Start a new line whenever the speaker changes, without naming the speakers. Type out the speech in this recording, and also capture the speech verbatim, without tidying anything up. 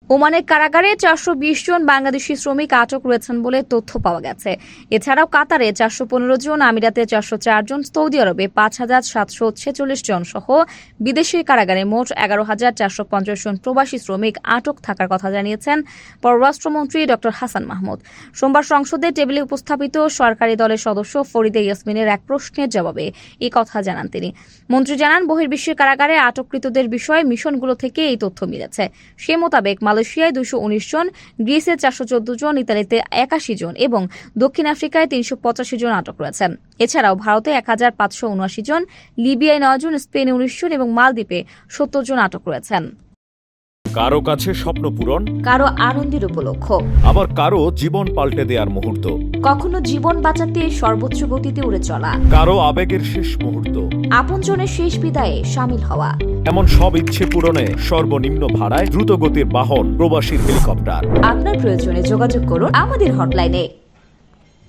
ওমানের কারাগারে চারশো বিশ জন বাংলাদেশি শ্রমিক আটক রয়েছেন বলে তথ্য পাওয়া গেছে। এছাড়াও কাতারে চারশো পনেরো জন, আমিরাতে চারশো চার জন, সৌদি আরবে পাঁচ হাজার সাতশো ছেচল্লিশ জন সহ বিদেশি কারাগারে মোট এগারো হাজার চারশো পঞ্চাশ জন প্রবাসী শ্রমিক আটক থাকার কথা জানিয়েছেন পররাষ্ট্রমন্ত্রী ড হাসান মাহমুদ। সোমবার সংসদে টেবিলে উপস্থাপিত সরকারি দলের সদস্য ফরিদা ইয়াসমিনের এক প্রশ্নের জবাবে এই কথা জানান তিনি। মন্ত্রী জানান, বহির্বিশ্বের কারাগারে আটককৃতদের বিষয়ে মিশনগুলো থেকে এই তথ্য মিলেছে। সে মোতাবেক মালয়েশিয়ায় দুইশো উনিশ জন, গ্রিসে চারশো চোদ্দ জন, ইতালিতে একাশি জন এবং দক্ষিণ আফ্রিকায় তিনশো পঁচাশি জন আটক রয়েছেন। এছাড়াও ভারতে এক হাজার পাঁচশো উনআশি জন, লিবিয়ায় নয় জন, স্পেনে উনিশ জন এবং মালদ্বীপে সত্তর জন আটক রয়েছেন।
কারো কাছে স্বপ্ন পূরণ,
কারো আনন্দের উপলক্ষ,
আবার কারো জীবন পাল্টে দেওয়ার মুহূর্ত,
কখনো জীবন বাঁচাতে সর্বোচ্চ গতিতে উড়ে চলা,
কারো আবেগের শেষ মুহূর্ত,
আপনজনের শেষ বিদায়ে শামিল হওয়া।
এমন সব ইচ্ছে পূরণে সর্বনিম্ন ভাড়ায় দ্রুতগতির বাহন প্রবাসী হেলিকপ্টার।
আপনার প্রয়োজনে যোগাযোগ করুন আমাদের হটলাইনে।